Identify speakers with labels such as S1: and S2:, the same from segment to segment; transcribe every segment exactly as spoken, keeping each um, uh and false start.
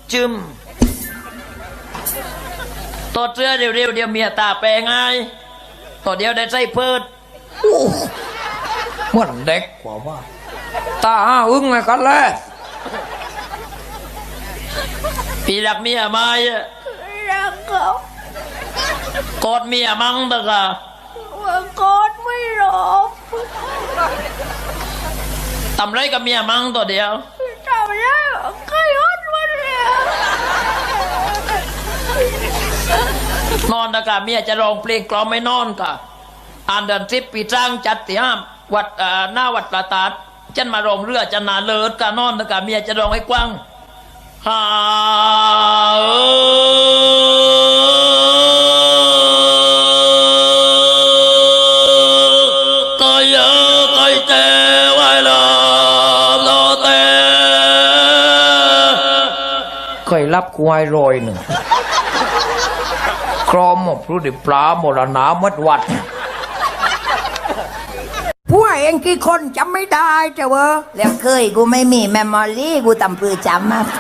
S1: จึมตัวเสื้อเร็วๆเดี๋ยวเมียตาแปลงไงตัวเดียวได้ใส่เพิด
S2: มันเด็กกว่าว่าตาห้าอึ้งไงกันเลย
S1: พี่รักเมียไหม
S3: รักเขา
S1: กอดเมียมั้งตะกะ
S3: ว่ากอดไม่หลบ
S1: ทำไรกับเมียมั้งตัวเดียว
S3: ทำได้ใครอดมาเลย
S1: นอนตะกะเมียจะร้องเพลงกล่อมไม่นอนกะอ่านเดินทริปปีจ้างจัดที่ห้ามวัดอ่าหน้าวัดประตาดจันมาร้องเรือจันนาเลิศกะนอนตะกะเมียจะร้องให้กว้างฮ่าเออก็เยอะก็เจไว้ละโลเต
S2: เคยรับควายรอยหนึ่งครอมหมกรู้ดิปลาหมดหนามัดวัด
S4: พวกเองกี่คนจำไม่ได้เจ้าเวอแล้วเคยกูไม่มีแมมโมรี่กูตำปือจำมา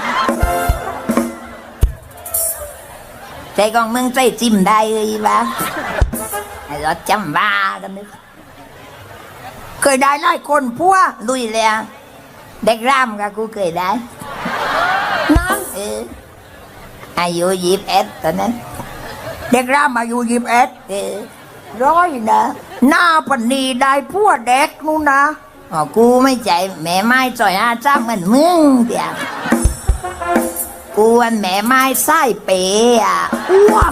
S4: ใจกองมึงใจจิ้มได้เลยวะไอ้รถจำบ้ากันนึกเคยได้หลายคนพวกลุยเลยอะเด็กร่ำกับกูเคยได้น้องเอออายุยี่สิบเอ็ดตอนนั้นเด็กร่ำอายุยี่สิบเอ็ดเออร้อยนะหน้าปนีได้พวกเด็กนู่นนะอ๋อกูไม่ใจแม่ไม้จ่อยอาจ้าเหมือนมึงเดียวกูวันแม่ไม้ไส้เป๋อะอ้วก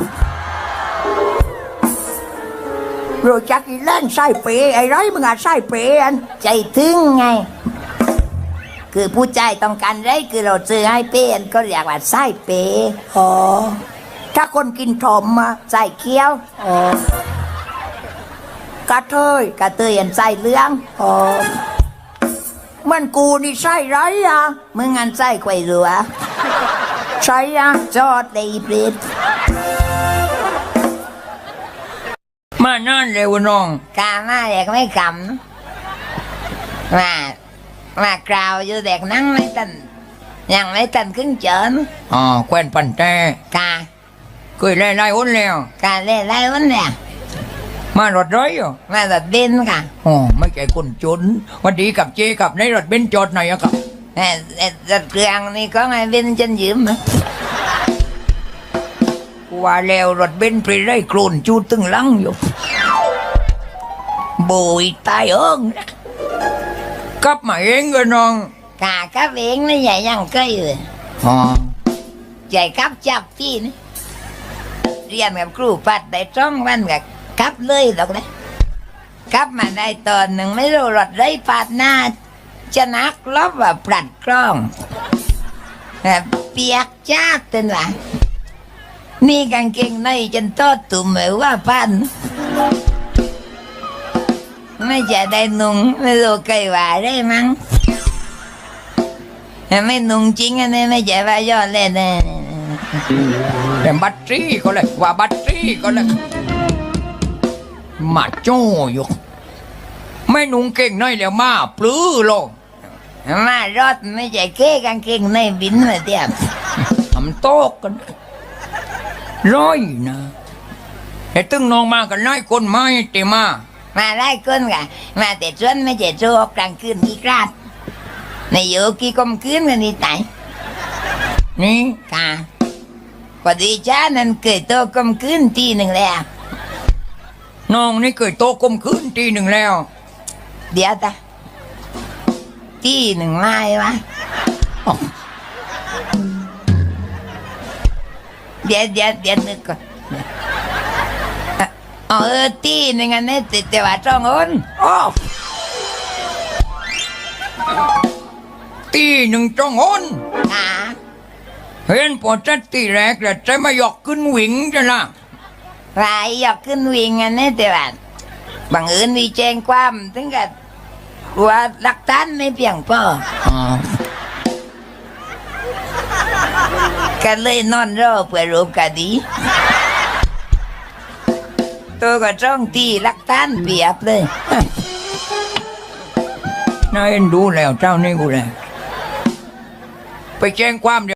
S4: รู้จักอีเล่นไส้เป๋ไอ้ไรมึงอะไส้เป๋อันใจถึงไงคือผู้ใจต้องการไรคือเราซื้อให้เป๋อันก็เรียกว่าไส้เป๋อ๋อถ้าคนกินถมมาใส่เคี้ยวอ๋อกระเทยกระเทยอันใส่เหลืองอ๋อมันกูนี่ใส่ไรอ่ะมึงอันใส่ไข่รัวใส่อ่ะจอดได้เปรต
S2: มานั่นเร็วน้อง
S4: กามาเด็กไม่กำมามากราวอยู่เด็กนั่งไม่ตันยังไม่ตันครึ่งเจิน
S2: อ๋อแควนปันแต่
S4: กา
S2: เคยไล่ไล่อ้นแล้ว
S4: กาเล่นไรวันเนี่ย
S2: มารถร้อยอยู่
S4: มาตัดดินค่ะ
S2: อ๋อไม่ใช่คนจนวันดีกับเจกับในรถเบนซ์จอดไหนอะครับ
S4: แต่แต่ตัดเครื่องนี่ก็ไงเป็นจนยืมอะ
S2: กูว่าแล้วรถเบนซ์ไปไล่โคลนจูดตึงหลังอยู่โบยตายเอิงกลับมาเองก็น้อง
S4: กากับเองนี่ใหญ่ยังเคยเลย
S2: อ๋อ
S4: ใหญ่กับจับพี่นี่เรียนกับครูปัดได้จ้องวันกับกับเลยหรอกนะกับมาได้ตอนหนึ่งไม่รู้รถไรปาดหน้าจะนักลบว่าปลัดกล้องแบบเปียกจากเต็นว่านี่กางเกงในจนโตตุ่มเหมือนว่าพันไม่จะได้นุ่งไม่รู้ใครว่าได้มั้งไม่นุ่งจริงอันนี้ไม่ใช่ว่ายอดเล่นนะ
S2: แต่บัตรจี้ก็เลยว่าบัตรจี้ก็เลยมาโจ้อยู่ไม่นุ่งเก่งน้อยแล้วมาปลื้อโลก
S4: มารถไม่ใช่เก้กางเกงในบินมาเตียบ
S2: ทำโต๊ะกันร้อยนะแต่ตึงน้องมากันไล่คนไม้เตมา
S4: มาไล่คนกะมาแต่ชวนไม่ใช่โจกกลางคืนกี่กราดในโยกี่กลมคืนกันนี่ตาย
S2: นี่
S4: ค่ะพอดีจ้านั้นเกิดโตกลมคืนทีหนึ่งแล้ว
S2: น้องนี่เคยโตกลมคืนทีหนึ่งแล้ว
S4: เดี๋ยวตาทีหนึ่งไม้วะเดี๋ยวเดี๋ยวเดี๋ยวนึกก่อนเออทีหนึ่งอันนี้ติดแต่ว่าจ้องอ้น
S2: อ้าวตีหนึ่งจองหน
S4: ค่ะ
S2: เห็นพอจัดตีแรกแต่ใจมาหยอกขึ้นหวิงจะละ
S4: รายอยากขึ้นวิ่งอันนี้แต่ว่าบังเอิญมีแจ้งความถึงกับว่าหลักฐานไม่เพียงพอ
S2: อ๋อ
S4: ก็เลยนอนรอเพื่อรูปคดี ตัวก็จ้องตีหลักฐานเปียบเลย
S2: น่าเอ็นดูแล้วเจ้านี่กูเลยไปแจ้งความเดี๋ยว